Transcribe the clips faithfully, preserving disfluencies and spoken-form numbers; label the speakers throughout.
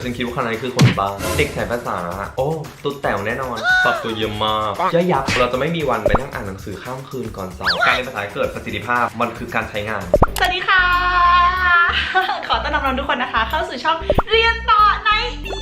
Speaker 1: ฉันคิดว่าคณะนี้คือคนบ้าเด็กสายภาษาโอ้ตุ๊ดแต๋วแน่นอนปรับตัวเยอะมากย่อยยับเราจะไม่มีวันไปนั่งอ่านหนังสือข้ามคืนก่อนสอบการเรียนภาษาเกิดประสิทธิภาพมันคือการใช้งาน
Speaker 2: สวัสดีค่ะ ขอต้อนรับทุกคนนะคะเข้าสู่ช่องเรียนต่อใน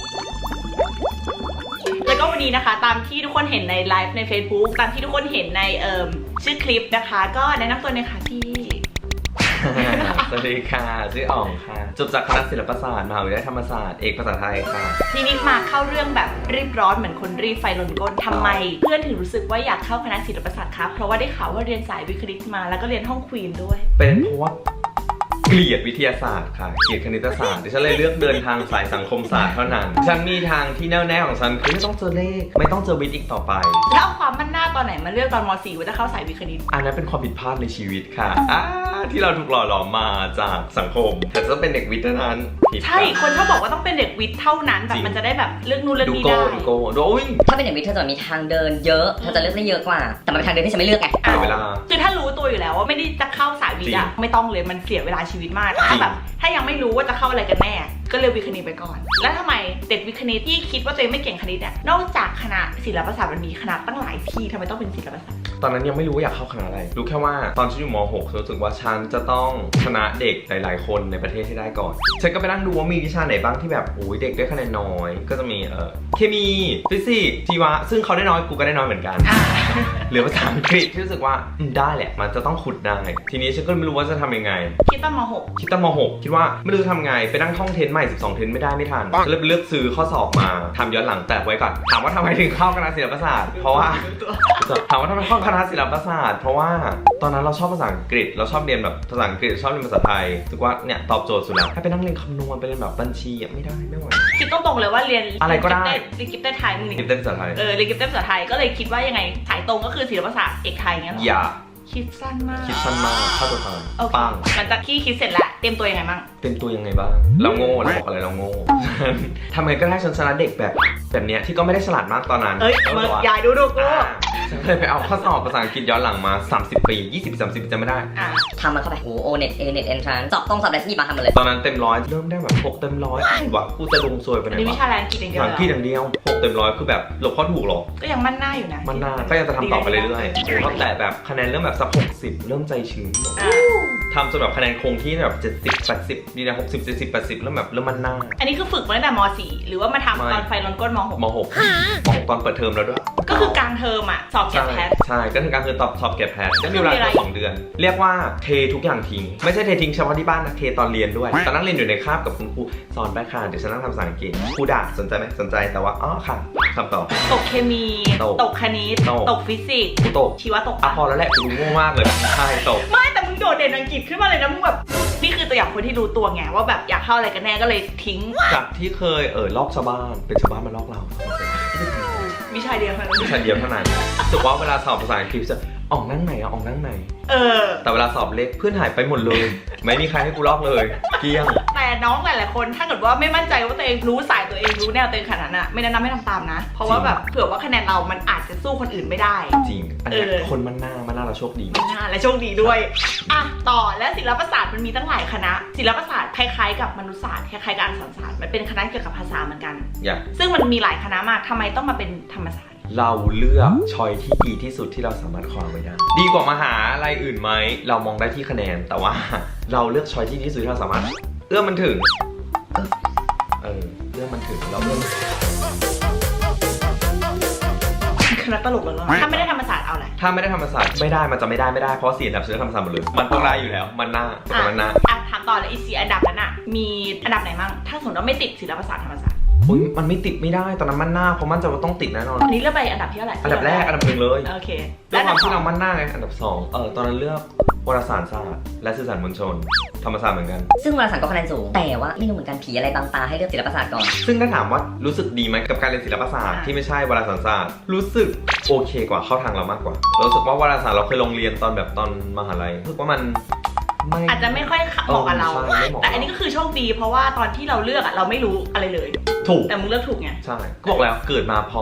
Speaker 2: แล้วก็วันนี้นะคะตามที่ทุกคนเห็นในไลฟ์ใน Facebook ตามที่ทุกคนเห็นในเอ่อชื่อคลิปนะคะก็แนะนำตัวหน่อยค่ะพี่
Speaker 1: สวัสดีค่ะชื่ออ่องค่ะจบจากคณะศิลปศาสตร์มหาวิทยาลัยธรรมศาสตร์เอกภาษาไทยค่ะ
Speaker 2: ทีนี้มาเข้าเรื่องแบบรีบร้อนเหมือนคนรีบไฟลนก้นทำไมเพื่อนถึงรู้สึกว่าอยากเข้าคณะศิลปศาสตร์ครับเพราะว่าได้ข่าวว่าเรียนสายวิทย์คณิตมาแล้วก็เรียนห้องควีนด้วย
Speaker 1: เป็นเพราะว่าเกลียดวิทยาศาสตร์ค่ะเกลียดคณิตศาสตร์ดิฉันเลยเลือกเดินทางสายสังคมศาสตร์เท่านั้นฉันมีทางที่แน่วแน่ของฉันคือไม่ต้องเจอเลขไม่ต้องเจอวิทย์อีกต่อไป
Speaker 2: แล้วเอาความมั่นหน้าตอนไหนมาเลือกตอนม .สี่ ว่าจะเข้าสายวิทย์คณิต
Speaker 1: อันนั้นเป็นความผิดพลาดในชีวิตค่ะอ่าที่เราถูกหล่อหลอมมาจากสังคมแต่จะเป็นเด็กวิทย์เท่านั้น
Speaker 2: ใช่คนชอบบอกว่าต้องเป็นเด็กวิทย์เท่านั้นแบบมันจะได้แบบเลือกนู่นเลือกนี่ได้
Speaker 1: ดูโก้ดูโก้
Speaker 3: ถ้าเป็นเด็กวิทย์เธอจะมีทางเดินเยอะเธอจะเลือกได้เยอะกว่าแต่มันเป็นทางเดินที่ฉันไม่เลือกไง
Speaker 1: เวลา
Speaker 2: คือถ้ารู้ตัวอยู่แล้วว่าไม่ได้จะเข้าสายวิทย์อะไม่ต้องเลยมันเสียเวลาชีวิตมากถ้าแบบถ้ายังไม่รู้ว่าจะเข้าอะไรกันแน่ก็เลือกวิทย์คณิตไปก่อนแล้วทำไมเด็กวิทย์คณิตที่คิดว่าตัวเองไม่เก่งคณิตเนี่ยนอกจากคณะศิลปศาสตร์มันมีคณะตั้งหลายที่ทำไมต้องเป็นศิลปศาสตร์
Speaker 1: ตอนนั้นยังไม่รู้ว่าอยากเข้าคณะอะไรรู้แค่ว่าตอนฉันอยู่ม หก รู้สึกว่าฉันจะต้องชนะเด็กหลายๆคนในประเทศให้ได้ก่อนฉันก็ไปนั่งดูว่ามีวิชาไหนบ้างที่แบบโอ้ยเด็กได้คะแนนน้อยก็จะมีเอ่อเคมีฟิสิกส์ชีวะซึ่งเขาได้น้อยกูก็ได้น้อยเหมือนกันเหลือภาษาอังกฤษที่รู้สึกว่าได้แหละมันจะต้องขุดได้ทีนี้ฉันก็ไม่รู้ว่าจะทำยังไง
Speaker 2: คิดตอนม หก
Speaker 1: คิดตอนม หก คิดว่าไม่รู้จะทำไงไปนั่งท่องเทนใหม่สิบสองเทนไม่ได้ไม่ทันก็เลยไปเลือกซื้อข้อสอบมาทำย้อนหลังแต่ไว้ก่อนถามว่าทำไมถึงเข้าคณะศิลปศาสตร์เพราะว่าถามว่าทำไมเข้าคณะศิลปศาสตร์เพราะว่าตอนนั้นเราชอบภาษาอังกฤษเราชอบเรียนแบบภาษาอังกฤษชอบเรียนภาษาไทยรู้สึกว่าเนี่ยตอบโจทย์สุดแล้วถ้าไปนั่งเรียนคำนวณไปเรียนแบบบัญชีไม่ได้ไม่ไหว
Speaker 2: คิดตรงๆเลยว่าเรียน
Speaker 1: อะไรก็ได้
Speaker 2: เรียนกิฟต์ไทยมึง
Speaker 1: กิฟต์ภาษาไทย
Speaker 2: เออเรียนกิฟต์ภาษาไทยก็เลยคิดว่ายังไงสายตรงก็คือศิลปศาสตร์เอกไทยงั้นหรอ
Speaker 1: อย่า
Speaker 2: คิดสั้นมาก
Speaker 1: คิดสั้นมากเข้าตัวทัน
Speaker 2: ปังหลังจากที่คิดเสร็จแล้วเตรียมตัวยังไงบ้าง
Speaker 1: เตรียมตัวยังไงบ้างเราโง่เราบอกอะไรเราโง่ทำไงก็ได้ฉันชนะเด็กแบบแบบเนี้ยที่ก็ไม่ได้ฉลาดมากตอนนั้น
Speaker 2: เอ้ยมึงยายดูดูกู
Speaker 1: ฉันเลยไปเอาข้อสอบภาษาอังกฤษย้อนหลังมาสามสิบปียี่สิบ สามสิบจำไม่ได้
Speaker 3: ทำมันเข้าไปโอ้โอเน็ตเอเน็ตเอนทรานสอบต้องสอบอะไรที่มาทำมาเลย
Speaker 1: ตอนนั้นเต็มร้อยเริ่มได้แบบหกเต็มร้อยวะกูจะลงซวยไปไหนวะ
Speaker 2: นี่วิชาแรงกินอย่างเดียว
Speaker 1: หลังพี่อย่างเดียวหกเต็มร้อยคือแบบหลบข้อถูกหรอ
Speaker 2: ก็ยังมั่นหน้าอยู่นะ
Speaker 1: มั่นหน้าก็ยังจะทำต่อไปเรื่อยๆก็แต่แบบคะแนนเริ่มแบบสักหกสิบเริ่มใจชื้นทำจนแบบคะแนนคงที่แบบเจ็ดสิบ แปดสิบดีนะหกสิบ เจ็ดสิบ แปดสิบแล้วแบบเริ่มมั่นหน้า
Speaker 2: อันนี้คือฝึกมาตั้งแต่ม .สี่ หรือว่ามาทำตอนไฟลนก้นม หก
Speaker 1: ม หก ม หกตอนเปิดเทอมแล้วด้วย
Speaker 2: ก็คือกลางเทอมอ่ะสอบแกะแพท
Speaker 1: ใช่ก็คือกลางเทอมตอบสอบแกะแพทก็มีเวลาแค่สองเดือนเรียกว่าเททุกอย่างทิ้งไม่ใช่เททิ้งเฉพาะที่บ้านนะเทตอนเรียนด้วยตอนนั่งเรียนอยู่ในคาบกับคุณครูสอนไปค่ะเดี๋ยวฉันนั่งทำภาษาอังกฤษครูด่าสนใจไหมสนใจแต่ว่าอ๋อค่ะคำตอบ
Speaker 2: ตกเคมีตกคณิตตกฟิสิกส์
Speaker 1: กูตก
Speaker 2: ชีวะตก
Speaker 1: อ่ะพอแล้วแหละกูโง่มากเลยใช่ตก
Speaker 2: ไม่แต่มึงโดดเด่นอังกฤษขึ้นมาเลยนะมึงแบบนี่คือตัวอย่างคนที่รู้ตัวไงว่าแบบอยากเข้าอะไรกันแน่ก็เลยทิ้ง
Speaker 1: จากที่เคยเออลอกชาวบ้านเป็นชาวบ้านมาลอกเรา
Speaker 2: วิชาเดียวเท่านั้น
Speaker 1: วิชาเดียวเท่านั้นรู้สึกว่าเวลาสอบภาษาอังกฤษจะออกนั่งไหนอะออกนั่งไหน
Speaker 2: เออ
Speaker 1: แต่เวลาสอบเลขเพื่อนหายไปหมดเลยไม่มีใครให้กูลอกเลยเกลี้ยง
Speaker 2: แต่น้องหลายๆคนถ้าเกิดว่าไม่มั่นใจว่าตัวเองรู้สายตัวเองรู้แนวตัวเองขนาดนั้นไม่แนะนำให้ทำตามนะเพราะว่าแบบเผื่อว่าคะแนนเรามันอาจจะสู้คนอื่นไม่ได้
Speaker 1: จริงอันนี้คนมันหน้ามันหน้าเราโชคดี
Speaker 2: มันหน้าและโชคดีด้วยอ่ะต่อและศิลปศาสตร์มันมีตั้งหลายคณะศิลปศาสตร์คล้ายๆกับมนุษยศาสตร์คล้ายๆกับอักษรศาสตร์มันเป็นคณะเกี่ยวกับภาษาเหมือนกันซึ่งมันมีหลายคณะมากทำไมต้องมาเป็นธรรมศาสตร์
Speaker 1: เราเลือกชอยที่ดีที่สุดที่เราสามารถคว้าไว้ได้ดีกว่ามหาอะไรอื่นไหมเรามองได้ที่คะแนนแต่ว่าเราเลือกชอยที่ดีที่สุดที่เราสามารถเอื้อมมันถึงเออเอื้อมมันถึงเราเอื้อม
Speaker 2: คณะตลกแล้วถ้าไม่ได้ธรรมศาสตร์เอาอะไร
Speaker 1: ถ้าไม่ได้ธรรมศาสตร์ไม่ได้มันจะไม่ได้ไม่ได้เพราะสี่อันดับฉันธรรมศาสตร์หมดเลยมันต้องได้อยู่แล้วมันหน้าแต่มันหน้า
Speaker 2: อ่ะถามต่อเลยอีสี่อันดับนั้นอ่ะมีอันดับไหนบ้างถ้าสมมติว่าไม่ติดศิลปศาสตร์ธรรมศาสตร์
Speaker 1: อุ้ยมันไม่ติดไม่ได้ตอนนั้นมันหน้าเพราะมันจะต้องติดแน่นอน
Speaker 2: อันนี้เลือกไปอันดับที่เท่าไหร่
Speaker 1: อันดับแรกอันดับหนึ่งเลย
Speaker 2: โอเค
Speaker 1: แล้วความที่เรามันหน้าไงอันดับสองเออตอนนั้นเลือกวารสารศาสตร์และสื่อสารมวลชนธรรมศาสตร์เหมือนกัน
Speaker 3: ซึ่งวารสารก็คะแนนสูงแต่ว่าไม่รู้เหมือนกันผีอะไรบางตาให้เลือกศิลปศาสตร์ก่อน
Speaker 1: ซึ่งถ้าถามว่ารู้สึกดีไหมกับการเรียนศิลปศาสตร์ที่ไม่ใช่วารสารศาสตร์รู้สึกโอเคกว่าเข้าทางเรามากกว่ารู้สึกว่าวารสารเราเคยลงเรียนตอนแบบตอนมหาลัยรู้สึกว่ามัน
Speaker 2: อาจจะไม่ค่อยเหมาะกับเราแต่อันนี้ก็คือโชคดีเพราะว่าตอนที่เราเลือกอะเราไม่รู้อะไรเลย
Speaker 1: ถูก
Speaker 2: แต่มึงเลือกถูกไง
Speaker 1: ใช่ก็บอกแล้วเกิดมาพร้อม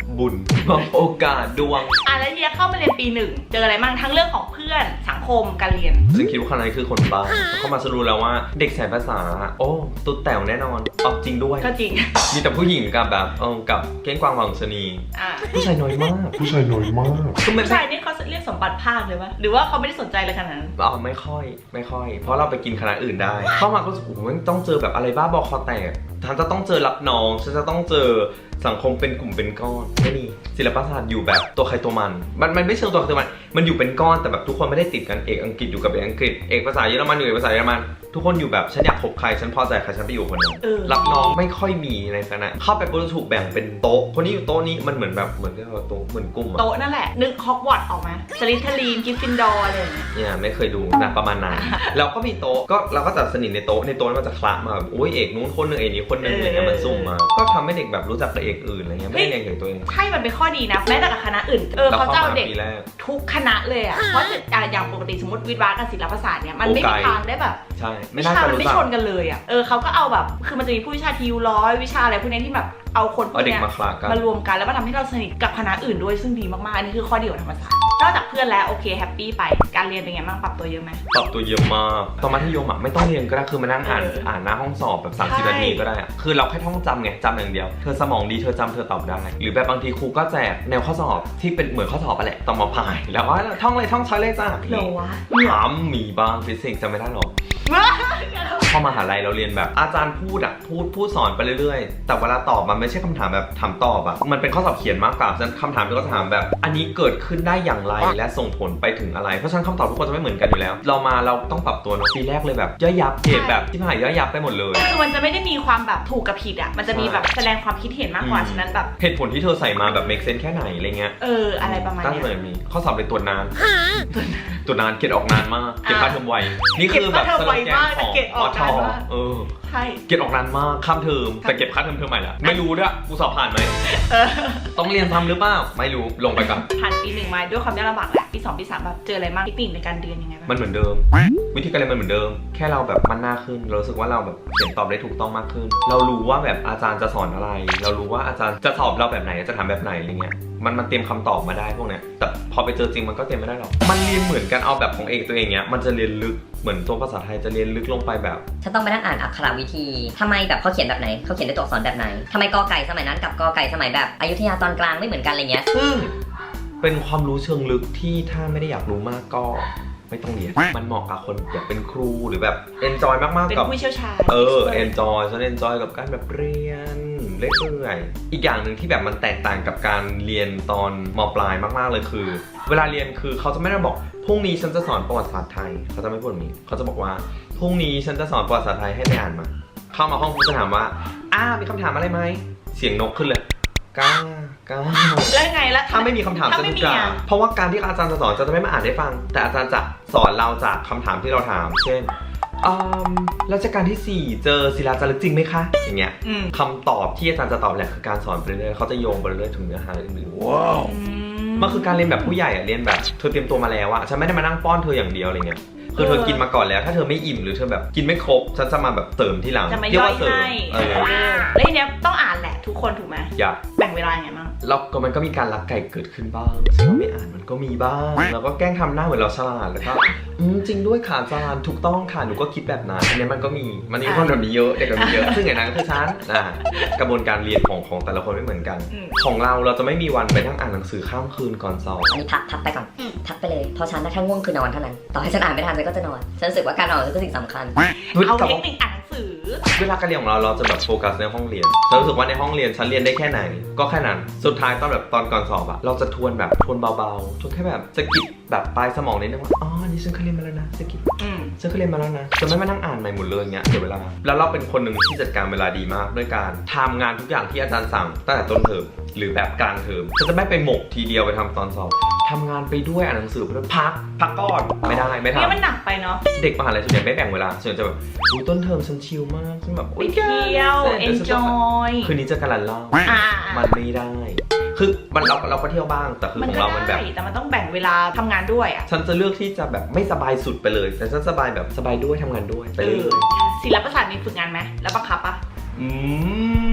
Speaker 1: บุญมอบโอกาสดวง
Speaker 2: อ่ะแล้วเฮียเข้ามาเรียนปีหนึ่งเจออะไรบ้างทั้งเรื่องของเพื่อนสังคมการเรียน
Speaker 1: ซึ่งคิดว่าคนนั้นคือคนบ้าเข้ามาสรู้แล้วว่าเด็กสายภาษาโอ้ตุ๊ดแต๋วแน่นอนเอาจริงด้วย
Speaker 2: ก็จริง
Speaker 1: มีแต่ผู้หญิงกับแบบเออกับเก้งกวางหวังชนี
Speaker 2: อ่ะ
Speaker 1: ผู้ชายน้อยมาก
Speaker 4: ผู้ชายน้อยมาก
Speaker 1: คือไม่
Speaker 2: ผู้ชายนี่เขาเรียกสมบัติภาคเลยวะหรือว่าเขาไม่ได้สนใจเลยขนาดนั้น
Speaker 1: อ๋อไม่ค่อยไม่ค่อย เพราะเราไปกินคณะอื่นได้ เข้ามาก็รู้สึกโอ้โหมันต้องเจอแบบอะไรบ้าบอคอแตกฉันจะต้องเจอรับน้องฉันจะต้องเจอสังคมเป็นกลุ่มเป็นก้อนไม่มีศิลปศาสตร์อยู่แบบตัวใครตัวมันมันมันไม่เชิงตัวใครตัวมันมันอยู่เป็นก้อนแต่แบบทุกคนไม่ได้ติดกันเอกอังกฤษอยู่กับเอกอังกฤษเอกภาษาเยอรมันอยู่เอกภาษาเยอรมันทุกคนอยู่แบบฉันอยากคบใครฉันพอใจใครฉันไปอยู่คนนั้น
Speaker 2: เออ
Speaker 1: รับน้องไม่ค่อยมีในคณะเข้าไปปุ๊บถูกแบ่งเป็นโต๊ะคนนี้อยู่โต๊ะนี้มันเหมือนแบบเหมือนที่เราโต๊ะเหมือนกลุ่มอะ
Speaker 2: โต๊ะนั่นแหละนึกฮอกวอตส์ออกมาสลิทเทอรีนกิฟฟินดอร์อะไรอย่างเงี้ย
Speaker 1: เนี่ยไม่เคยดูนะประมาณนั้นเราก็มีโต๊ะก็เราก็จะสนิทในโต๊ะในโต๊ะนั้นมันจะคละมาแบบโอ้ยเอกนู้นคนหนึงเอกนี้คนหนึงอะไรเงี้ยมันซุ่มมาก็ทำให้เด็กแบบรู้จักกับเอกอื่นอะไรเงี้ยไม่ได้เรียนกับตัวเอง
Speaker 2: ใช่มันเป็นข้อดีนะแม้แต่กับคณะอื่นเออเขาเจ้าเด็ก
Speaker 1: ปีแรก
Speaker 2: ทุกคณะเลยอ่ะเพราะจะอ่ะอย่างปกติสมมติวิทย์วะกับศิลปศาสตร์เนี่ยมันไม่
Speaker 1: โอ้
Speaker 2: มี
Speaker 1: ไกล
Speaker 2: ทางได้แบบ
Speaker 1: ใช่ไม่
Speaker 2: วิ
Speaker 1: น่า
Speaker 2: ชา
Speaker 1: จะ
Speaker 2: มัน
Speaker 1: รู้
Speaker 2: ไม่
Speaker 1: จัก
Speaker 2: ชนกันเลยอ่ะเออเขาก็เอาแบบคือมันจะมีผู้วิชาทีวร้อยวิชาอะไรพวกนี้ที่แบบเอาคนพว
Speaker 1: เอา
Speaker 2: ก
Speaker 1: เด็ก
Speaker 2: เนี้ย
Speaker 1: มาคละกัน
Speaker 2: มารวมกันแล้วมาทำให้เราสนิทกับคณะอื่นด้วยซึ่งดีมากๆอันนี้คือข้อดีของธรรมศาสตร์นอกจากเพื่อนแล้วโอเคแฮปปี้ไปการเรียนเป็นไงบ้างปรับตัวเยอะไหม
Speaker 1: ปรับตัวเยอะมากตอนมัธยมอ่ะไม่ต้องเรียนก็ได้คือมานั่งอ่าน
Speaker 2: เอออ่
Speaker 1: อ่านหน้าห้องสอบแบบสามสิบ
Speaker 2: ใช่
Speaker 1: นาทีก็ได้อะคือเราแค่ท่องจำไงจำอย่างเดียวเธอสมองดีเธอจำเธอตอบได้หรือแบบบางทีครูก็แจกแนวข้อสอบที่เป็นเหมือนข้อสอบไปแหละต้องมาพายแล้วว่าท่องเลยท่องช้อยเลยจ้า
Speaker 2: เหรอวะ
Speaker 1: ถามมีบ้างฟิสิกส์จำไม่ได้หรอกพอมหาลัยเราเรียนแบบอาจารย์พูดอะพูดพูดสอนไปเรื่อยๆแต่เวลาตอบมันไม่ใช่คำถามแบบถามตอบอะมันเป็นข้อสอบเขียนมากกว่าฉะนั้นคำถามที่เขาถามแบบ อันนี้เกิดขึ้นได้อย่างไรและส่งผลไปถึงอะไรเพราะฉะนั้นคำตอบทุกคนจะไม่เหมือนกันอยู่แล้ว เรามาเราต้องปรับตัวเนอะปีแรกเลยแบบย่อยยับเกรดแบบที่ผ่านย่อยยับไปหมดเลย
Speaker 2: คือมันจะไม่ได้มีความแบบถูกกับผิดอ่ะมันจะมีแบบแสดงความคิดเห็นมากกว่าฉะนั้นแบบ
Speaker 1: เหตุผลที่เธอใส่มาแบบ make sense แค่ไหนอะไรเงี้ย
Speaker 2: เอออะไรประมาณ
Speaker 1: ตั้ง
Speaker 2: เนี้
Speaker 1: แต่
Speaker 2: ย
Speaker 1: มีข้อสอบเลยตรวจนานตรวจนานเกรดออกนานมากเก็บค่าเทอมไวนี่คือแบบสโลแกนของอทเออ
Speaker 2: ใช่
Speaker 1: เกรดออกนานมากข้ามเทอมแต่เก็บค่าเทอมเทอมใหม่ละไม่รู้ด้วยกูสอบผ่านไหม
Speaker 2: เออ
Speaker 1: ต้องเรียนทำหรือเปล่าไม่รู้ลงไปก่อน
Speaker 2: ผ่านปีหนึ่งมาด้วยความยากลำบากแหละปีสองปีสามแบบเจออะไรบ้างเทคนิคในการเรียนยังไงบ้าง
Speaker 1: มันเหมือนเดิม วิธีการเรียนมันเหมือนเดิม แค่เราแบบมันหน้าขึ้นเรารู้สึกว่าเราแบบเขียนตอบได้ถูกต้องมากขึ้น เรารู้ว่าแบบอาจารย์จะสอนอะไร เรารู้ว่าอาจารย์จะสอบเราแบบไหนจะถามแบบไหนอะไรเงี้ยมันมันเตรียมคำตอบมาได้พวกเนี้ยแต่พอไปเจอจริงมันก็เตรียมไม่ได้หรอกมันเรียนเหมือนกันเอาแบบของเอกตัวเองเนี้ยมันจะเรียนลึกเหมือนตัวภาษาไทยจะเรียนลึกลงไปแบบ
Speaker 3: ฉันต้องไปนั่งอ่านอักขระวิธีทำไมแบบเขาเขียนแบบไหนเขาเขียนด้วยตัวอักษรแบบไหนทำไมกอไก่สมัยนั้นกับกอไก่สมัยแบบอยุธยาตอนกลางไม่เหมือนกันอะไรเงี้ย
Speaker 1: ซึ่งเป็นความรู้เชิงลึกที่ถ้าไม่ได้อยากรู้มากก็ไม่ต้องเรียนมันเหมาะกับคนอยากเป็นครูหรือแบบ enjoy มากๆ
Speaker 2: เป็น
Speaker 1: กับ
Speaker 2: ผู้เชี่ยวชาญ
Speaker 1: เออ enjoy ฉัน enjoy กับการแบบเรียนเรื่อยๆอีกอย่างหนึ่งที่แบบมันแตกต่างกับการเรียนตอนม.ปลายมากๆเลยคือ เวลาเรียนคือเขาจะไม่ได้บอกพรุ่งนี้ฉันจะสอนประวัติศาสตร์ไทยเขาจะไม่พูดแบบนี้เขาจะบอกว่าพรุ่งนี้ฉันจะสอนประวัติศาสตร์ไทยให้ไปอ่านมา เข้ามาห้องครูจะถามว่าอ้ามีคำถามอะไรไหมเสียงนกขึ้นเลยก้าก้า
Speaker 2: แล้วไงแล้ว
Speaker 1: ถ้าไม่มีคำถาม
Speaker 2: ถ้า
Speaker 1: จะ
Speaker 2: ไม่
Speaker 1: ถู
Speaker 2: มี
Speaker 1: กกล่า
Speaker 2: อ่ะ
Speaker 1: เพราะว่าการที่อาจารย์จะสอนจะไม่มาอ่านให้ฟัง แต่อาจารย์จะสอนเราจากคำถามที่เราถาม เช่นอืมรัชกาลที่สี่เจอศิลาจารึกจริงไหมคะอย่างเงี้ย
Speaker 2: อืม
Speaker 1: คำตอบที่อาจารย์จะตอบแหละคือการสอนไปเรื่อยๆเขาจะโยงไปเรื่อยๆถึงเนื้อหาอื่นๆว้าว
Speaker 2: อื
Speaker 1: มันคือการเรียนแบบผู้ใหญ่อะเรียนแบบเธอเตรียมตัวมาแล้วอะฉันไม่ได้มานั่งป้อนเธออย่างเดียวอะไรเงี้ยคือเธอกินมาก่อนแล้วถ้าเธอไม่อิ่มหรือเธอแบบกินไม่ครบฉันจะมาแบบเติมที่หลัง
Speaker 2: จะมา
Speaker 1: เรีก
Speaker 2: ย่อย
Speaker 1: ว่าเสริม
Speaker 2: ให้
Speaker 1: เออ
Speaker 2: เออแล้วทีเนี้ยต้องอ่านแหละทุกคนถูกไหม
Speaker 1: อย่า
Speaker 2: แบ่งเวลายังไงบ้าง
Speaker 1: แล้วก็มันก็มีการลักไก่เกิดขึ้นบ้างซึ่งเราไม่อ่านมันก็มีบ้างเราก็แกล้งทำหน้าเหมือนเราฉลาดแล้วก็อืมจริงด้วยค่ะอาจารย์ถูกต้องค่ะหนูก็คิดแบบนั้นอันนี้มันก็มีมันมีคนแบบนี้เยอะเด็กแบบนี้เยอะซึ่งอย่างนั้นคือฉันอ่ากระบวนการเรียนของของแต่ละคนไม่เหมือนกัน
Speaker 2: อืม
Speaker 1: ของเราเราจะไม่มีวันไปนั่งอ่านหนังสือข้ามคืนก่อนสอบ
Speaker 3: อันนี้พักพักไปก่อนพักไปเลยเพราะฉันนะถ้าง่วงคือนอนเท่านั้นต่อให้ฉันอ่านไม่ทันฉันก็จะนอนฉันรู้สึกว่าการนอนคือสิ่งสำคัญ
Speaker 2: เอา
Speaker 1: แต่
Speaker 2: เท
Speaker 1: ว่า
Speaker 2: คนิคอ่านหนังสือ
Speaker 1: เวลาการเรียนของเราเราจะแบบโฟกัสในห้องเรียนฉันรู้สึกว่าในห้องเรียนฉันเรียนได้แค่ไหนก็แค่นั้นสุดท้ายตอนแบบตอนก่อนสอบอะเราจะทวนแบบทวนเบาๆทวนแค่แบบสะกิดแบบปลายสมองนิดนึงว่าอ๋อนี่ฉันเคยเรียนมาแล้วนะสะกิด
Speaker 2: อืม
Speaker 1: ฉันเคยเรียนมาแล้วนะจะไม่มานั่งอ่านใหม่หมดเลยเงี้ยเสียเวลาแล้วเราเป็นคนหนึ่งที่จัดการเวลาดีมากด้วยการทำงานทุกอย่างที่อาจารย์สั่งตั้งแต่ต้นเทอมหรือแบบกลางเทอมฉันจะไม่ไปหมกทีเดียวไปทำตอนสอบทำงานไปด้วยอ่านหนังสือไปด้วยพักพักก่อนไม่ได้ไม่ทำ
Speaker 2: เนี่ยมันหนักไปเนาะ
Speaker 1: เด็กมหาลัยส่วนใหญ่ไม่แบ่งเวลาส่วนใหญ่จะแบบอุ้ยต้นเทอมฉันชิลมากฉันแบบ
Speaker 2: ไปเที่ยว enjoy
Speaker 1: คืนนี้จะการันเล่า
Speaker 2: อ่า
Speaker 1: มันไม่ได้ คือมันเราเราก็เที่ยวบ้างแต่คือ
Speaker 2: มัน
Speaker 1: ของ
Speaker 2: ก็
Speaker 1: เรามันแบ
Speaker 2: ได้
Speaker 1: บ
Speaker 2: แต่มันต้องแบ่งเวลาทำงานด้วยอ่ะ
Speaker 1: ฉันจะเลือกที่จะแบบไม่สบายสุดไปเลย แต่ฉันสบายแบบสบายด้วยทำงานด้วยไป
Speaker 2: เอ
Speaker 1: เรื่
Speaker 2: อ
Speaker 1: อย
Speaker 2: ศิลปศาสตร์มีฝึกงานไหมแล้วบังคับปะ
Speaker 1: ๆอืม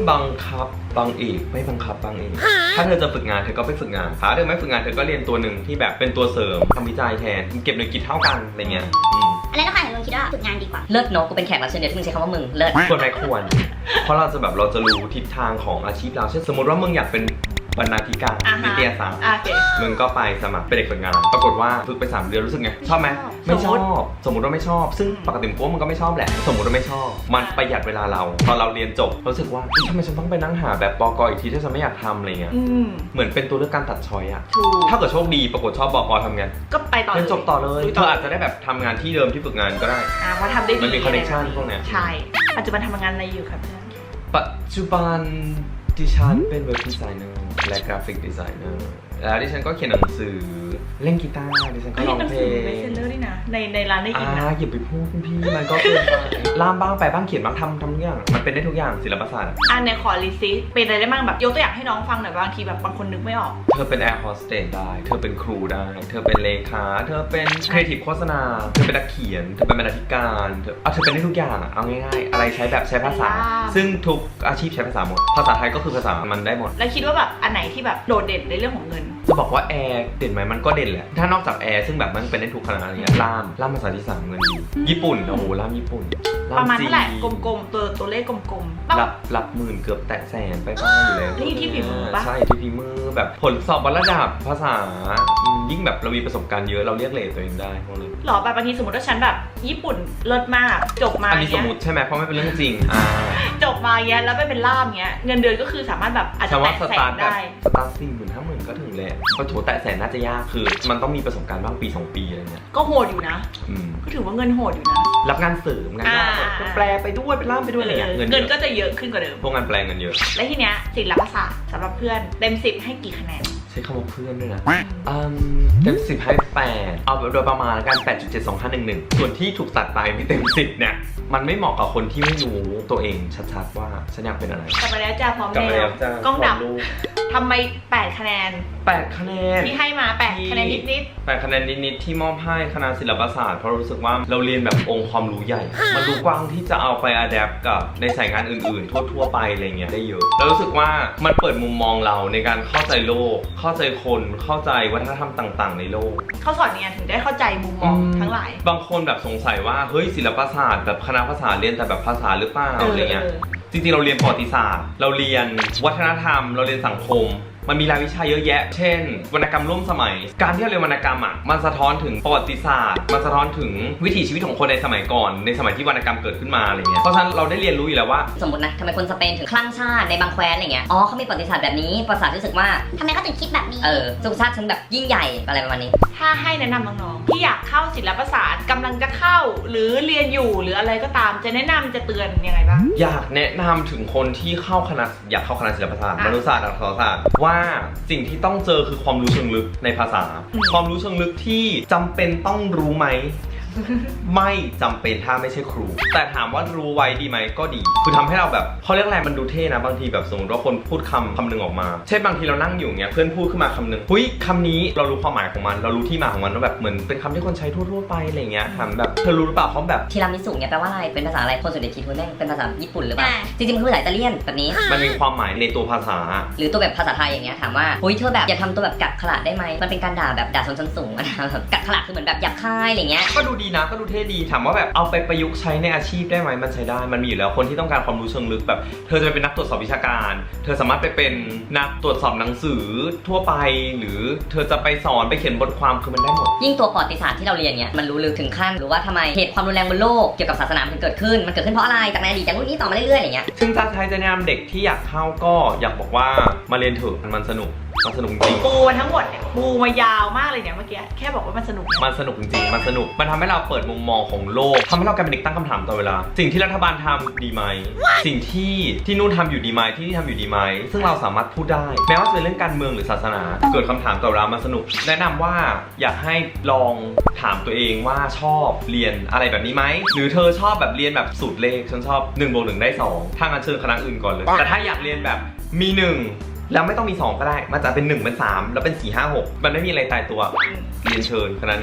Speaker 1: บังคับบางอีกไม่บังคับบางอีกถ้าเธอจะฝึกงานเธอก็ไปฝึกงานถ้าเธอไม่ฝึกงานเธอก็เรียนตัวหนึ่งที่แบบเป็นตัวเสริมทำวิจัยแทนเก็บหน่วยกิจเท่ากันอะไรเงี้ยอืม
Speaker 4: อะไรนะคะหนูคิดว่าฝึกงานดีกว่า
Speaker 3: เลิศเนอะกูเป็นแขกรับเชิญเดียวที่มึงใช้คำว่ามึงเลิศ
Speaker 1: ควรไหมควร เพราะเราจะแบบเราจะรู้ทิศทางของอาชีพเราเช่นสมมติว่ามึงอยากเป็นบรรณาธิการ
Speaker 2: อ่าฮะ
Speaker 1: นิตยสาร
Speaker 2: อ่าโอเค
Speaker 1: มึงก็ไปสมัครเป็นเด็กฝึกงาน ปรากฏว่าฝึกไปสามเดือนรู้สึกไงชอบไหม
Speaker 2: ไม่
Speaker 1: ไม่
Speaker 2: ช
Speaker 1: ช
Speaker 2: อ
Speaker 1: อบ บ สมมติว่าไม่ชอบ ซึ่งปกติกูว่ามันก็ไม่ชอบแหละ สมมติว่าไม่ชอบ มันประหยัดเวลาเราตอนเราเรียนจบรู้สึกว่าเฮ้ยทำไมฉันต้องไปนั่งหาแบบปกอีกทีถ้าฉันไม่อยากทำอะไรเงี้ย
Speaker 2: อืม
Speaker 1: เหมือนเป็นตัวเลือกการตัดช้อยอะ
Speaker 2: ถูก
Speaker 1: ถ้าเกิดโชคดีปรากฏชอบบกทำไง
Speaker 2: ก็ไปต่อ
Speaker 1: เรียนจบต่อเลย
Speaker 2: ลุ
Speaker 1: เธออาจจะได้แบบทำงานที่เดิมที่ฝึกงานก็ได้
Speaker 2: อ่าเพราะทำได้ดี
Speaker 1: มันมี connection พวกเนี้ย
Speaker 2: ใช่ ปัจจุบันทำงานอะไรอยู่ครับเพื่อน
Speaker 1: ปัจจุบันดิฉันเป็นเว็บดีไซเนอร์และกราฟิกดีไซเนอร์แล้วดิฉันก็เขียนหนังสือเล่นกีตาร์ดิฉันก็
Speaker 2: เฮ้ย
Speaker 1: ร้อง
Speaker 2: หนัง
Speaker 1: เพล
Speaker 2: สือง เบสเซลเลอร์ด้วยนะ ในในร้านได้
Speaker 1: อ่า
Speaker 2: ยินนะ
Speaker 1: อย่าไปพูดคุณพี่มันก็เกินไปล่ามบ้างแปลบ้างเขียนบ้างทำทำทุกอย่างมันเป็นได้ทุกอย่างศิลปศาสตร์
Speaker 2: อ่าในขอลิซิเป็นอะไรได้บ้างแบบยกตัวอย่างให้น้องฟังหน่อยบางทีแบบบางคนนึกไม่ออก
Speaker 1: เธอเป็นแอร์โฮสเตสได้ เธอเป็นครูได้ เธอเป็นเลขา เธอเป็นครีเอทีฟโฆษณา เธอเป็นนักเขียน เธอเป็นบรรณาธิการเธอเอาเธอเป็นได้ทุกอย่างอะเอาง่ายๆอะไรใช้แบบใช้ภาษา ซึ่งทุกอาชีพใช้ภาษาหมดภาษาไทยก็คือภาษามันได้หมด
Speaker 2: แล้วคิดว่าแบบอันไหนที่แบบโดดเด่นในเรื่องของเงิน
Speaker 1: จะบอกว่าแอร์เด่นไหมมันก็เด่นแหละ ถ้านอกจากแอร์ซึ่งแบบมันเป็นได้ทุกคณะอะไรเงี้ยล่ามล่ามภาษาที่สามเงินดีญี่ปุ่นโอ้โหล่ามญี่ปุ่นล่
Speaker 2: ประมาณ
Speaker 1: จีน
Speaker 2: เท่าไหร่กลมๆตัวตัวเลขกลมๆ
Speaker 1: รับรับหมื่นเกือบแตะแสนไปบ้างอยู่แล้ว
Speaker 2: นี่ที่ฝีมือปะ
Speaker 1: ใช่ที่ฝีมือแบบผลสอบวัดระดับภาษาอืมยิ่งแบบเรามีประสบการณ์เยอะเราเรียกเรทตัวเองได้พวกนี้
Speaker 2: หรอแบบบางทีสมมติว่าฉันแบบญี่ปุ่นเลิศมากจบมา
Speaker 1: อันนี้สม
Speaker 2: เงี้ย
Speaker 1: มติใช่ไหมเพราะไม่เป็นเรื่องจริงอ่า
Speaker 2: จบมาเงี้ยแล้วไปเป็นล่ามเงี้ยเงินเดือนก็คือสามารถแบบอาจ
Speaker 1: แต่
Speaker 2: จะ
Speaker 1: ว่า
Speaker 2: แตะ
Speaker 1: ส
Speaker 2: แส
Speaker 1: ตาร์
Speaker 2: น
Speaker 1: ทแบบ
Speaker 2: ได้
Speaker 1: สตาร์ทสี่หมื่นห้าหมื่นก็ถึงแหละก็ถือว่าแตะแสนน่าจะยากคือมันต้องมีประสบการณ์บ้างปีสองปีอะไรเงี้ย
Speaker 2: ก็โหดอยู่นะ
Speaker 1: อืม
Speaker 2: ก็ถือว่าเงินโหดอยู่นะ
Speaker 1: รับงานเสริมงานยาก
Speaker 2: อ่า
Speaker 1: ก็แปลไปด้วยเป็นล่ามไปด้วยอะไรเงี้ย
Speaker 2: เออ
Speaker 1: เงิน
Speaker 2: เงิน
Speaker 1: เย
Speaker 2: ก็
Speaker 1: อะ
Speaker 2: จะเยอะขึ้นกว่าเดิม
Speaker 1: พวกงานแปลงเงินเยอะ
Speaker 2: และทีเนี้ยศิลปศาสตร์สำหรับเพื่อนเต็มสิบให้กี่คะแนน
Speaker 1: ใช้คำว่าเพื่อนด้วยนะอืมเต็มสิบให้แปดเอาโดยประมาณแล้วกันแปดจุดเจ็ดสองห้าหนึ่งหนึ่งส่วนที่ถูกตัดไปไม่เต็มสิบเนี่ยมันไม่เหมาะกับคนที่ไม่รู้ตัวเองชัดๆว่าฉันอยากเป็นอะไร
Speaker 2: กลับมาแล้วจ้าพร้อม
Speaker 1: กลับมา
Speaker 2: แล้
Speaker 1: แล้ว วจ้าก
Speaker 2: ล้องดับ
Speaker 1: พร้อมลูก
Speaker 2: ทำไมแปดคะแนน
Speaker 1: แปดคะแนน
Speaker 2: ที่ให้มาแปดคะแนนนิด
Speaker 1: แปดคะแนนนิดๆที่มอบให้คณะศิลปศาสตร์เพราะรู้สึกว่าเราเรียนแบบองค์ความรู้ใหญ่ มันรู้กว้างที่จะเอาไปอัดแอปกับในสายงานอื่นๆ ทั่วๆไปอะไรเงี้ยได้เยอะแล้วรู้สึกว่ามันเปิดมุมมองเราในการเข้าใจโลก เข้าใจคนเข้าใจวัฒนธรรมต่างๆ ในโลก
Speaker 2: ๆเขาสอนเนี่ยถึงได้เข้าใจมุมมองทั้งหลาย
Speaker 1: บางคนแบบสงสัยว่าเฮ้ยศิลปศาสตร์แบบคณะภาษาเรียนแต่แบบภาษาหรือเปล่า
Speaker 2: เอออ
Speaker 1: อะไรเงี้ยจริงๆเราเรียนประวัติศาสตร์ เราเรียนวัฒนธรรม เราเรียนสังคม มันมีรายวิชาเยอะแยะ เช่น วรรณกรรมร่วมสมัย การที่เราเรียนวรรณกรรมอ่ะมันสะท้อนถึงประวัติศาสตร์ มันสะท้อนถึงวิถีชีวิตของคนในสมัยก่อน ในสมัยที่วรรณกรรมเกิดขึ้นมาอะไรเงี้ยเพราะฉะนั้นเราได้เรียนรู้อยู่แล้วว่า
Speaker 3: สมมตินะทำไมคนสเปนถึงคลั่งชาติในบางแคว้นอะไรเงี้ยอ๋อเขามีประวัติศาสตร์แบบนี้ประวัติศาสตร์รู้สึกว่า
Speaker 4: ทำไมเขาถึงคิดแบบนี้
Speaker 3: เออสุขชาติฉันแบบยิ่งใหญ่อะไรประมาณนี้
Speaker 2: ถ้าให้แนะนำน้องๆที่อยากเข้าศิลปศาสตร์กำลังจะเข้า หรือเรียนอยู่หรืออะไรก็ตามจะแนะนำจะเตือนยังไงบ้าง
Speaker 1: อยากแนะนำถึงคนที่เข้าคณะอยากเข้าคณะศิลปศาสตร์
Speaker 2: อ่ะ
Speaker 1: มนุษยศาสตร์อักษรศาสตร์ว่าสิ่งที่ต้องเจอคือความรู้เชิงลึกในภาษา
Speaker 2: อืม
Speaker 1: ความรู้เชิงลึกที่จำเป็นต้องรู้ไหม ไม่จำเป็นถ้าไม่ใช่ครู แต่ถามว่ารู้ไว้ดีไหมก็ดี คือทำให้เราแบบเขาเรียกอะไรมันดูเท่นะบางทีแบบสมมติว่าคนพูดคำคำหนึ่งออกมา เช่นบางทีเรานั่งอยู่เงี้ยเพื่อนพูดขึ้นมาคำหนึ่งหุ้ยคำนี้เรารู้ความหมายของมันเรารู้ที่มาของมันว่าแบบเหมือนเป็นคำที่คนใช้ทั่วๆไปอะไรเงี้ยถามแบบเธอรู้หรือเปล่าเขาแบบ
Speaker 3: ทีรามิสุเนี่ยแปลว่าอะไรเป็นภาษาอะไรคนส่วนใหญ่คิดว่าแม่งเป็นภาษาญี่ปุ่นหรือเปล่า
Speaker 4: อ่า
Speaker 3: จริงๆมันคือภาษาอิตาเลียนแบบนี้
Speaker 1: มันมีความหมายในตัวภาษา
Speaker 3: หรือตัวแบบภาษาไทยอย่างเงี้ยถามว่าเฮ้ยเธอแบบอย่าทำตัวแบบกักขระได้ไหมมันเป็นการด่าแบบด่าชนชั้นสูงอะนะแบบกักขระคือเหมือนแบบหยาบคายอะไรเงี้ย
Speaker 1: ก็ดูดีนะก็ดูเท่ดีถามว่าแบบเอาไปประยุกต์ใช้ในอาชีพได้ไหมมันใช้ได้มันมีอยู่แล้วคนที่ต้องการความรู้เชิงลึกแบบเธอจะไปเป็นนักตรวจสอบวิชาการ เธอสามารถไปเป็นนักตรวจสอบหนังสือทั่วไป หรือเธอจะไปสอนไปเขียนบทความคือมันได้หมด
Speaker 3: ยิ่งตัวประวัติศาสตร์ที่เราเรียนเนี่ยมันรู้ลึกถึงขั้นหรือว่าทำไมเหตุความรุนแรงบนโลกเกี่ยวกับศาสนามันถึงเกิดขึ้นมันเกิดขึ้นเพราะอะไรจากในอดีตจากนู่นนี่ต่อมาเรื่อยๆอะไรเงี้ย
Speaker 1: ซึ่งถ้าใช้จะแนะนำเด็กที่อยากเข้าก็อยากบอกว่ามาเรียนเถอะมันสนุกมันสนุกจริง
Speaker 2: ปูมาทั้งหมดเนี่ยปูมายาวมากเลยเนี่ยเมื่อกี้แค่บอกว่ามันสนุกเนี่ย
Speaker 1: มันสนุกจริงๆมันสนุกมันทำให้เราเปิดมุมมองของโลกทำให้เรากลายเป็นเด็กตั้งคำถามตลอดเวลาสิ่งที่รัฐบาลทำดีไหมสิ่งที่ที่นู่นทำอยู่ดีไหมที่นี่ทำอยู่ดีไหมซึ่งเราสามารถพูดได้แม้ว่าจะเป็นเรื่องการเมืองหรือศาสนาเกิดคำถามตลอดเวลามันสนุกแนะนำว่าอยากให้ลองถามตัวเองว่าชอบเรียนอะไรแบบนี้ไหมหรือเธอชอบแบบเรียนแบบสูตรเลขฉันชอบหนึ่งบวกหนึ่งได้สองถ้างั้นเชิญคณะอื่นก่อนเลยแต่ถ้าอยากเรียนแบบมีหนึ่งแล้วไม่ต้องมีสองก็ได้มันจะเป็นหนึ่งเป็นสามแล้วเป็นสี่ห้าหกมันไม่มีอะไรตายตัวเรียนเชิญคณะนี้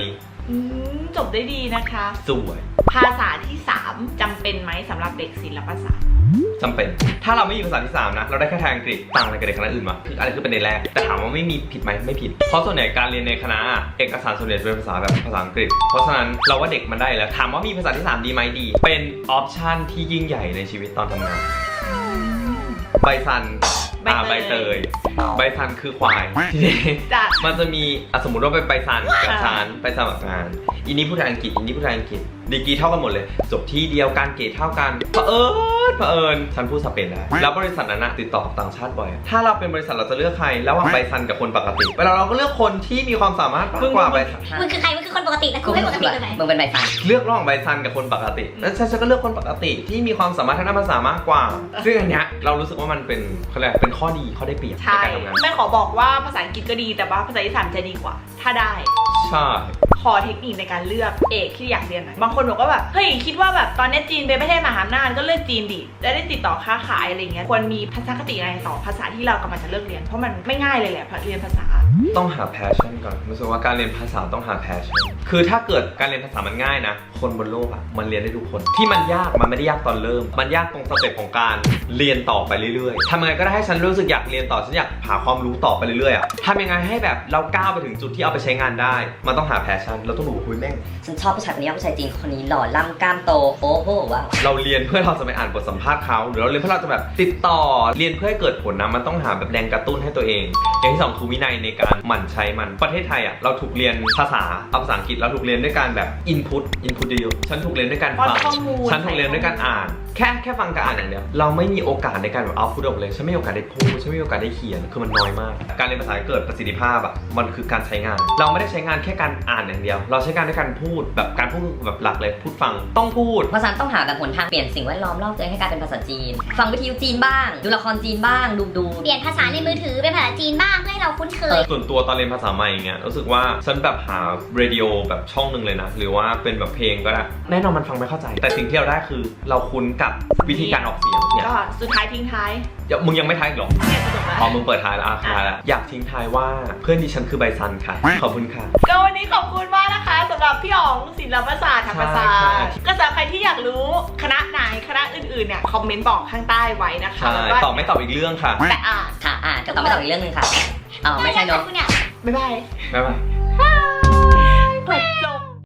Speaker 2: อืมจบได้ดีนะคะ
Speaker 1: สวย
Speaker 2: ภาษาที่สามจำเป็นไหมสำหรับเด็กศิลปศาสตร์
Speaker 1: จำเป็น ถ้าเราไม่มีภาษาที่สามนะ เราได้แค่ทางอังกฤษต่างอะไรกับเด็กคณะอื่นมาคืออะไรคือเป็นในแรก แต่ถามว่าไม่มีผิดไหมไม่ผิด เพราะส่วนใหญ่การเรียนในคณะเอกสารส่วนใหญ่จะเป็นภาษาแบบภาษาอังกฤษ เพราะฉะนั้นเราว่าเด็กมันได้แล้ว ถามว่ามีภาษาที่สามดีไหมดี เป็นออปชันที่ยิ่งใหญ่ในชีวิตตอนทำงาน ใบซันอ่าใบเตย ใบซันคือควายทีนี้
Speaker 2: จ้ะ
Speaker 1: มันจะมีอ่ะสมมติว่าเป็นใบซันกับ
Speaker 2: ค่ะ
Speaker 1: ชานไปสมัครงานอีนี้พูดไทยอังกฤษอีนี้พูดไทยอังกฤษดีกรีเท่ากันหมดเลยจบที่เดียวกันเกรดเท่ากันเผอิญเผอิญฉันพูดสเปนได้แล้วบริษัทนั้นนะติดต่อต่างชาติบ่อยถ้าเราเป็นบริษัทเราจะเลือกใครระหว่างใบซันกับคนปกติเวลาเราก็เลือกคนที่มีความสามารถมากกว่าใบซัน
Speaker 4: มึงคือใคร มึงคือคนปกติแต่กูไม่ปกติเลยไหม
Speaker 3: มึงเป็นใบฟัน
Speaker 1: เลือกระหว่างใบซันกับคนปกติแล้วฉันก็เลือกคนปกติที่มีความสามารถทางด้านภาษามากกว่า ซึ่งอันเนี้ยเรารู้สึกว่ามันเป็นเขาเรียกเป็นข้อดีข้อได้เปรียบใน
Speaker 2: ใช่
Speaker 1: การทำงาน
Speaker 2: ไม่ขอบอกว่าภาษาอังกฤษก็ดีแต่ว่าภาษาที่สามจะดีกว่า ถ้าได้
Speaker 1: ใช่
Speaker 2: ขอเทคนิคในการเลือกเอกที่อยากเรียนหน่อยบางคนบอกว่าแบบเฮ้ยคิดว่าแบบตอนนี้จีนเป็นประเทศมหาอำนาจก็เลือกจีนดิจะได้ติดต่อค้าขายอะไรเงี้ยควรมีทัศนคติอะไรต่อภาษาที่เรากำลังจะเลือกเรียนเพราะมันไม่ง่ายเลยแหละเรียนภาษา
Speaker 1: ต้องหา passion ก่อนรู้สึกว่าการเรียนภาษาต้องหา passion คือถ้าเกิดการเรียนภาษามันง่ายนะ คนบนโลกอะมันเรียนได้ทุกคน ที่มันยากมันไม่ได้ยากตอนเริ่ม มันยากตรงสเต็ปของการเรียนต่อไปเรื่อยๆทำยังไงก็ได้ให้ฉันรู้สึกอยากเรียนต่อฉันอยากหาความรู้ต่อไปเรื่อยๆอะทำยังไงให้แบบเราก้าวไปถึงจุดที่เอาไปใช้งานได้ มันต้องหา passion เราต้องรู้คุยแม่ง
Speaker 3: ฉันชอบผู้ชายคนนี้ผู้ชายจีนคนนี้หล่อล่ำกล้ามโตโอ้โหว้าว
Speaker 1: เราเรียนเพื่อเราจะไปอ่านบทสัมภาษณ์เขาหรือเราเรียนเพื่อเราจะแบบติดต่อเรียนเพื่อให้เกิดผลนะมันต้องหาแบบแรงกระตุ้นให้ตัวเอง อย่างที่สองคือวินัยในการหมั่นใช้มันประเทศไทยอ่ะเราถูกเรียนภาษาเอาภาษาอังกฤษเราถูกเรียนด้วยการแบบ input input เยอะๆฉันถูกเรียนด้วยการฟัง
Speaker 2: ป้อนข้อมูล
Speaker 1: ฉันถูกเรียนด้วยการอ่าน แค่แค่ฟังกับอ่านอย่างเดียวเราไม่มีโอกาสในการแบบเอาพูดออกเลยฉันไม่มีโอกาสได้พูดฉันไม่มีโอกาสได้เขียนคือมันน้อยมาก การเรียนภาษาให้เกิดประสิทธิภาพอ่ะมันคือการใช้งาน เราไม่ได้ใช้งานแค่การอ่านอย่างเดียว เราใช้งานด้วยการพูดแบบการพูดแบบหลักเลยพูดฟังต้องพูด
Speaker 3: ภาษาต้องหาแบบหนทางเปลี่ยนสิ่งแวดล้อมรอบตัวเองให้กลายเป็นภาษาจีน ฟังวิทยุจีนบ้าง ดูละครจีนบ้าง ดูดู
Speaker 4: เปลี่ยนภาษาในมือถือเป็นภาษาจีนบ้างเพื่อให้เราคุ้นเคย
Speaker 1: ส่วนตัวตอนเรียนภาษาใหม่อย่างเงี้ยรู้สึกว่าฉันแบบหาเรดิโอแบบช่องหนึ่งเลยนะ หรือว่าเป็นแบบเพลงก็ได้แน่นอนมันฟังไม่เข้าใจ แต่สิ่งที่เราได้คือเราคุ้นกับวิธีการออกเสียงเนี่ย
Speaker 2: ก็สุดท้ายทิ้งท้าย
Speaker 1: เดี๋ยวมึงยังไม่ท้ายอีกเหรอ
Speaker 2: เนี่ยจบแล้ว
Speaker 1: พอมึงเปิดท้ายแล้วอ่ะท้ายแล้วอยากทิ้งท้ายว่าเพื่อนดิฉันคือใบซันค่ะขอบคุณค่ะ
Speaker 2: ก็วันนี้ขอบคุณมากนะคะสำหรับพี่อ๋องศิลปศาสตร์ธรรมศาสต
Speaker 1: ใช่
Speaker 2: ร์ก็สำหรับใครที่อยากรู้คณะไหนคณะอื่นๆเนี่ยคอมเมนต์บอกข้างใต้ไว้นะคะ
Speaker 1: ใช่
Speaker 2: แล้วก็
Speaker 1: ตอบไม่ตอบอีกเรื่องค่ะ
Speaker 2: แต่อ่าน
Speaker 3: ค่ะอ่านก็ต้องไม่ตอบอีกเรื่องหนึงค่ะอ๋อไม่ใช่เนอะ
Speaker 4: คุณเนี่ย
Speaker 2: บ๊ายบาย
Speaker 1: บ๊ายบาย
Speaker 2: เปิด